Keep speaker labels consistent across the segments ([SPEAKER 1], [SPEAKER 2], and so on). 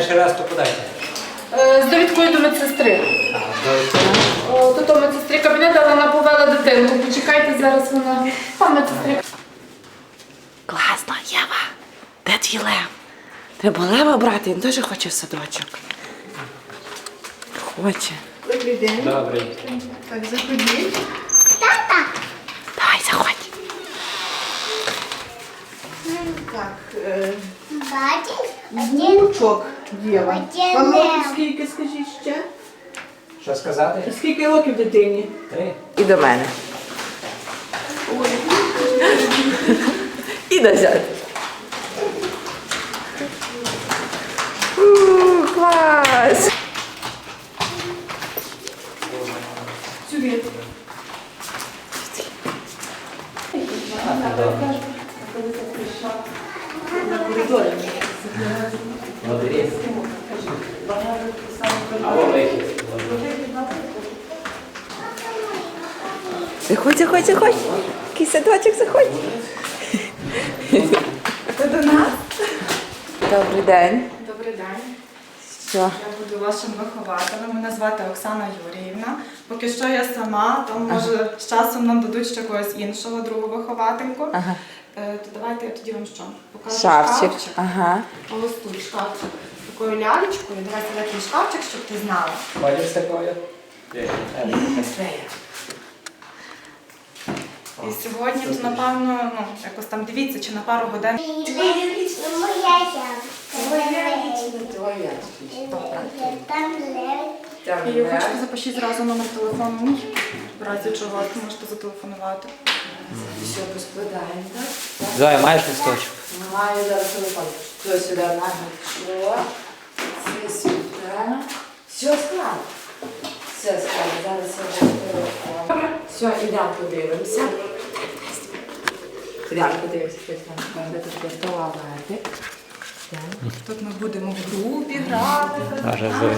[SPEAKER 1] перший раз, то подайте.
[SPEAKER 2] З довідкою до медсестри. Тут у медсестрі кабінет, але вона повела дитинку. Почекайте, зараз вона. Там медсестрі.
[SPEAKER 3] Класно, Єва. Де твій Лев? Треба Лева брати, він теж хоче в садочок. Хоче.
[SPEAKER 2] Добрий день.
[SPEAKER 1] Добрий.
[SPEAKER 2] Так, заходіть.
[SPEAKER 3] Давай, заходь.
[SPEAKER 2] Так,
[SPEAKER 4] Бачиш?
[SPEAKER 2] внучок Єва.
[SPEAKER 4] Один
[SPEAKER 2] Вам
[SPEAKER 4] лев.
[SPEAKER 2] років скільки, скажіть ще?
[SPEAKER 1] Що сказати?
[SPEAKER 2] Скільки років дитині?
[SPEAKER 1] 3.
[SPEAKER 3] І до мене. І до зятя. Клас!
[SPEAKER 2] Сюди.
[SPEAKER 1] Молодець. Або вихід.
[SPEAKER 3] Заходь, заходь, заходь. Який садочок, заходь.
[SPEAKER 2] Це до нас.
[SPEAKER 3] Добрий день.
[SPEAKER 5] Добрий день.
[SPEAKER 3] Що?
[SPEAKER 5] Я буду вашим вихователем. Мене звати Оксана Юріївна. Поки що я сама, то може з часом нам дадуть ще когось іншого, другу виховательку.
[SPEAKER 3] Ага.
[SPEAKER 5] То давайте я тоді вам що? Покажу
[SPEAKER 3] Шафчик. Ага.
[SPEAKER 5] Ось тут шкафчик. Такою лялечкою. Давайте такий шкафчик, щоб ти знала.
[SPEAKER 1] Ходиш з такою?
[SPEAKER 5] І сьогодні, то, напевно, якось там дивіться, чи на пару годин.
[SPEAKER 4] Моя Там лев.
[SPEAKER 5] І я хочу запишіть зразу номер телефону мій. В разі чого ви можете зателефонувати.
[SPEAKER 3] Все, поскладаємо, так?
[SPEAKER 1] Зоя, маєш листочок?
[SPEAKER 3] Маю зараз телефон. Все сюди нагнуто. Це сюди. Все склад. Все склад. Зараз я буду телефон. Все, ідемо подивимося. Ідемо подивимося, що там буде тут туалетик.
[SPEAKER 5] Тут ми будемо в групі грати.
[SPEAKER 1] Може, Зоя.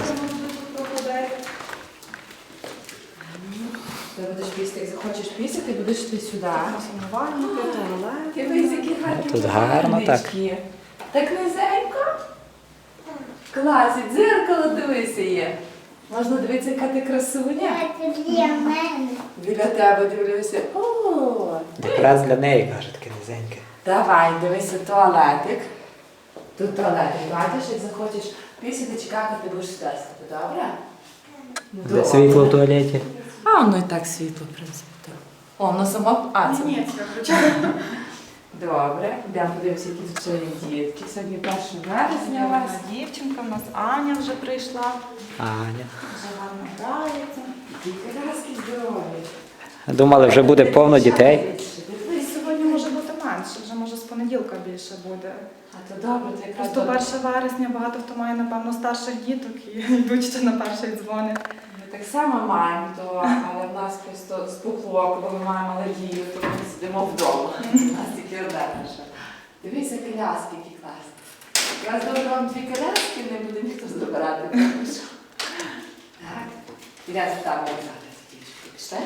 [SPEAKER 3] Ти будеш пісти, як захочеш пісити, будеш ти сюди.
[SPEAKER 5] Сумувальники, туалет.
[SPEAKER 3] Дивись, які гарні
[SPEAKER 1] Тут гарно так.
[SPEAKER 3] книжки. Так низенько. Клас, і дзеркало дивися є. Можна дивитися, яка ти красуня.
[SPEAKER 4] Це для мене.
[SPEAKER 3] Біля тебе дивлюся. О,
[SPEAKER 1] Якраз для неї, каже, таке низеньке.
[SPEAKER 3] давай, дивися, туалетик. Тут туалетик, бачиш, як захочеш пісити, чекати, ти будеш сюди сидіти, добре?
[SPEAKER 1] Де світло в туалеті?
[SPEAKER 3] А воно і так світло, в принципі. Так. О, воно само... А, це...
[SPEAKER 5] Ні, це включаю.
[SPEAKER 3] Добре, йдемо подивимося, які тут ще є дітки. Сьогодні 1 вересня у вас.
[SPEAKER 5] Дівчинка, в нас Аня вже прийшла.
[SPEAKER 1] Аня.
[SPEAKER 5] Вже гарно грається.
[SPEAKER 3] Дітки разки здорові.
[SPEAKER 1] Думали, вже буде повно дітей.
[SPEAKER 5] І сьогодні може бути менше, вже може з понеділка більше буде.
[SPEAKER 3] А то добре, то якраз
[SPEAKER 5] Просто 1 вересня багато хто має, напевно, старших діток і йдуть ще на перший дзвоник.
[SPEAKER 3] Ми так само маємо, але в нас просто спухло, коли ми маємо алергію, то ми сидимо вдома. У нас тільки одна наша. Дивися, коляски, які класні. Якраз добре вам 2 коляски, не буде ніхто забирати. Так, підемо там грати з дівчинкою. Пішли?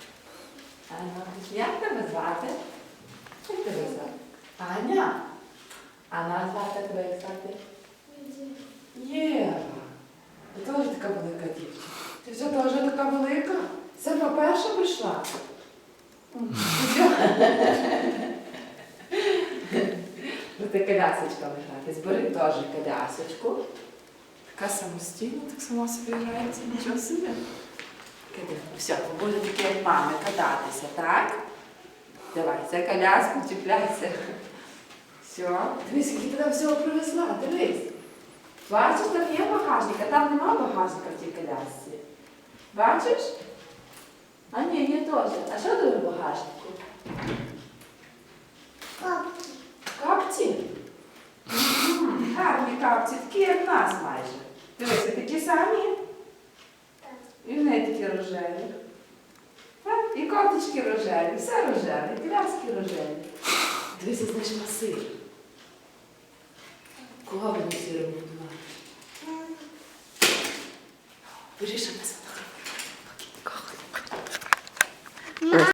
[SPEAKER 3] Як тебе звати? Як тебе звати? Аня? А нас звати тебе як звати? Єва. Ти теж така велика дівчинка. Ти все теж така велика? Сама перша прийшла? Ти колясочка грати. Збери теж колясочку. Така самостійна, так сама собі грається. Нічого собі. Все, ви будете такі, як мами, кататися, так? Давай, за коляску чіпляйся. Все. Дивись, який ти там всього привезла, дивись. Бачиш, там є багажник, а там нема багажника в тій колясці. Бачиш? А ні, є теж. А що тут в багажнику?
[SPEAKER 4] Капці.
[SPEAKER 3] Капці? Гарні капці, такі як в нас майже. Дивися, такі самі. І в неї такі рожеві. І кофточки рожеві, все рожеве, і коляски рожеві. Дивися, знайшла сир. Кого ви не сиром будували? Вирішимо.